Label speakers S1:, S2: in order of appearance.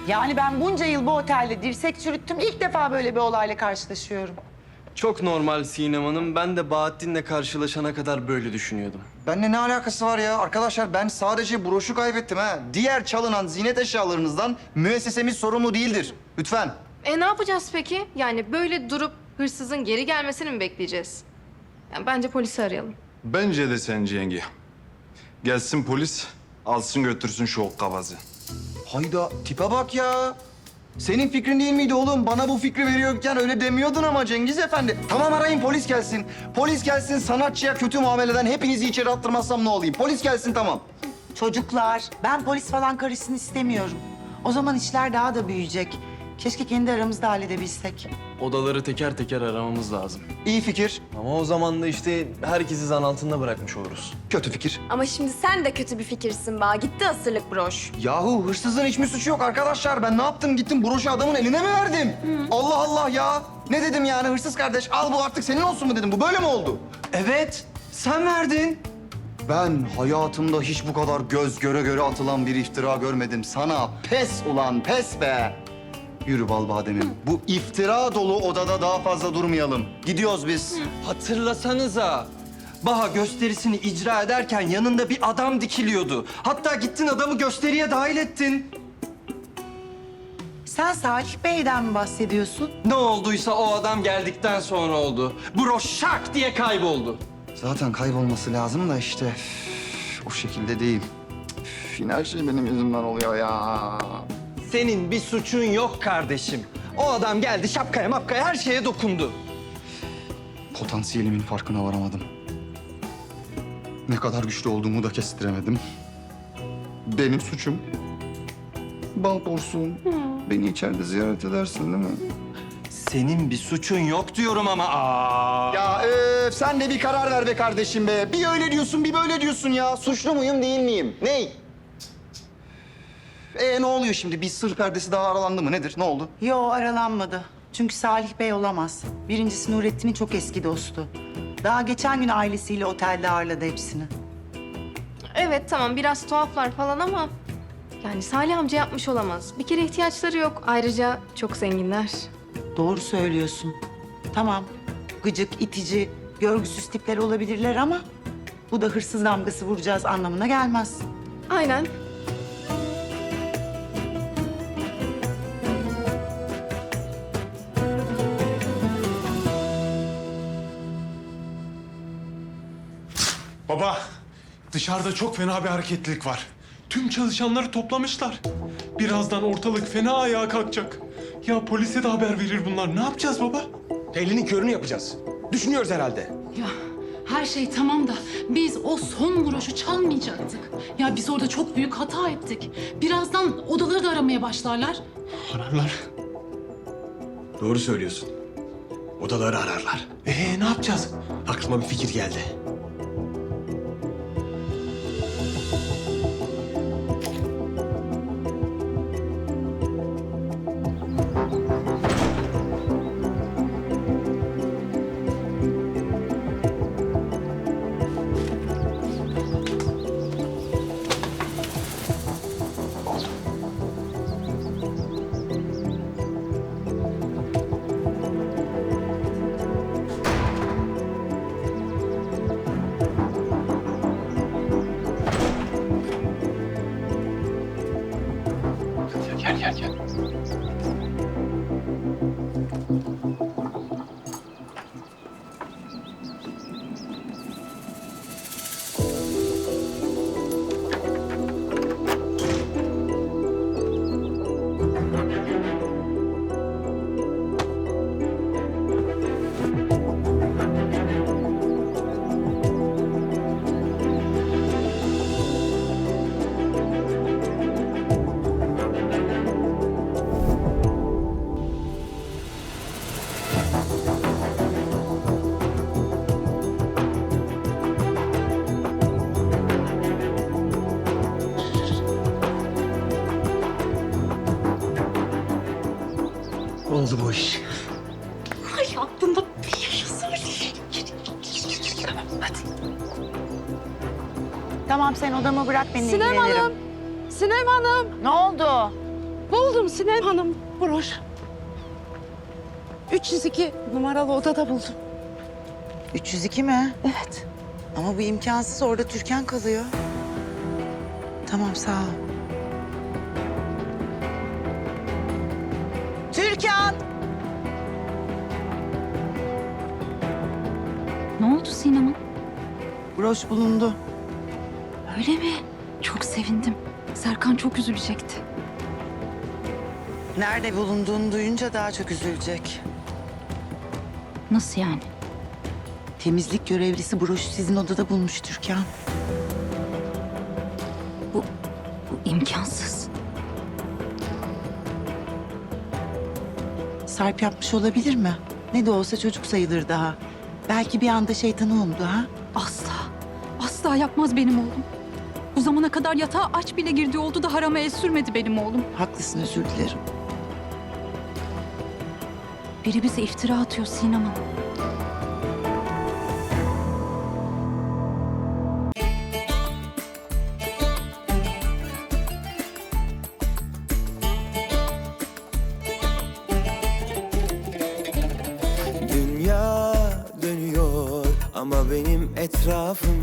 S1: Yani ben bunca yıl bu otelde dirsek çürüttüm. İlk defa böyle bir olayla karşılaşıyorum.
S2: Çok normal Sinem Hanım. Ben de Bahattin'le karşılaşana kadar böyle düşünüyordum.
S3: Benimle ne alakası var ya? Arkadaşlar ben sadece broşu kaybettim ha. Diğer çalınan ziynet eşyalarınızdan müessesemiz sorumlu değildir. Lütfen.
S4: Ne yapacağız peki? Yani böyle durup hırsızın geri gelmesini mi bekleyeceğiz? Yani bence polisi arayalım.
S5: Bence de sence yenge. Gelsin polis, alsın götürsün şu hokkabazı.
S3: Hayda tipe bak ya. Senin fikrin değil miydi oğlum? Bana bu fikri veriyorken öyle demiyordun ama Cengiz Efendi. Tamam arayın polis gelsin. Polis gelsin sanatçıya kötü muameleden hepinizi içeri attırmazsam ne olayım? Polis gelsin tamam.
S1: Çocuklar, ben polis falan karışsın istemiyorum. O zaman işler daha da büyüyecek. Keşke kendi aramızda halledebilsek.
S2: Odaları teker teker aramamız lazım.
S3: İyi fikir.
S2: Ama o zaman da işte herkesi zan altında bırakmış oluruz.
S3: Kötü fikir.
S6: Ama şimdi sen de kötü bir fikirsin ba. Gitti asırlık broş.
S3: Yahu hırsızın hiç mi suçu yok arkadaşlar? Ben ne yaptım? Gittim broşu adamın eline mi verdim? Allah Allah ya. Ne dedim yani hırsız kardeş? Al bu artık senin olsun mu dedim. Bu böyle mi oldu?
S2: Evet, sen verdin.
S3: Ben hayatımda hiç bu kadar göz göre göre atılan bir iftira görmedim. Sana pes ulan pes be. Yürü bal bademim. Bu iftira dolu odada daha fazla durmayalım. Gidiyoruz biz.
S7: Hatırlasanıza. Baha gösterisini icra ederken yanında bir adam dikiliyordu. Hatta gittin adamı gösteriye dahil ettin.
S1: Sen Salih Bey'den mi bahsediyorsun?
S7: Ne olduysa o adam geldikten sonra oldu. Broş şak diye kayboldu.
S3: Zaten kaybolması lazım da işte o şekilde değil. Yine her şey benim yüzümden oluyor ya.
S7: Senin bir suçun yok kardeşim. O adam geldi şapkaya mapkaya her şeye dokundu.
S3: Potansiyelimin farkına varamadım. Ne kadar güçlü olduğumu da kestiremedim. Benim suçum. Bal porsuğum. Beni içeride ziyaret edersin değil mi?
S7: Senin bir suçun yok diyorum ama.
S3: Ya sen de bir karar ver be kardeşim be. Bir öyle diyorsun bir böyle diyorsun ya. Suçlu muyum değil miyim? Ney? Ne oluyor şimdi? Bir sır perdesi daha aralandı mı? Nedir? Ne oldu?
S1: Yo, aralanmadı. Çünkü Salih Bey olamaz. Birincisi Nurettin'in çok eski dostu. Daha geçen gün ailesiyle otelde ağırladı hepsini.
S4: Evet tamam biraz tuhaflar falan ama... Yani Salih amca yapmış olamaz. Bir kere ihtiyaçları yok. Ayrıca çok zenginler.
S1: Doğru söylüyorsun. Tamam, gıcık, itici, görgüsüz tipler olabilirler ama... ...bu da hırsız damgası vuracağız anlamına gelmez.
S4: Aynen.
S8: Baba, dışarıda çok fena bir hareketlilik var. Tüm çalışanları toplamışlar. Birazdan ortalık fena ayağa kalkacak. Ya polise de haber verir bunlar. Ne yapacağız baba?
S9: Elinin körünü yapacağız. Düşünüyoruz herhalde.
S10: Ya her şey tamam da biz o son broşu çalmayacaktık. Ya biz orada çok büyük hata ettik. Birazdan odaları da aramaya başlarlar.
S8: Ararlar.
S9: Doğru söylüyorsun. Odaları ararlar.
S8: Ne yapacağız?
S9: Aklıma bir fikir geldi.
S7: Oldu bu iş.
S10: Ay aklımda bir yaşa Salih. Hadi.
S1: Tamam, sen odamı bırak, ben
S4: Sinem
S1: ilgilenirim.
S4: Hanım. Sinem Hanım.
S1: Ne oldu?
S4: Buldum
S11: buldum Sinem Hanım. Broş. 302 numaralı odada buldum.
S1: 302 mi?
S11: Evet.
S1: Ama bu imkansız. Orada Türkan kalıyor. Tamam, sağ ol. Türkan!
S10: Ne oldu Sinem'in?
S1: Broş bulundu.
S10: Öyle mi? Çok sevindim. Serkan çok üzülecekti.
S1: Nerede bulunduğunu duyunca daha çok üzülecek.
S10: Nasıl yani?
S1: Temizlik görevlisi broşu sizin odada bulmuş Türkan.
S10: Bu imkansız.
S1: Sarp yapmış olabilir mi? Ne de olsa çocuk sayılır daha. Belki bir anda şeytanı umdu ha?
S10: Asla. Asla yapmaz benim oğlum. Bu zamana kadar yatağa aç bile girdiği oldu da harama el sürmedi benim oğlum.
S1: Haklısın, özür dilerim.
S10: Biri bize iftira atıyor Sinem Hanım.
S12: Dünya dönüyor ama benim etrafım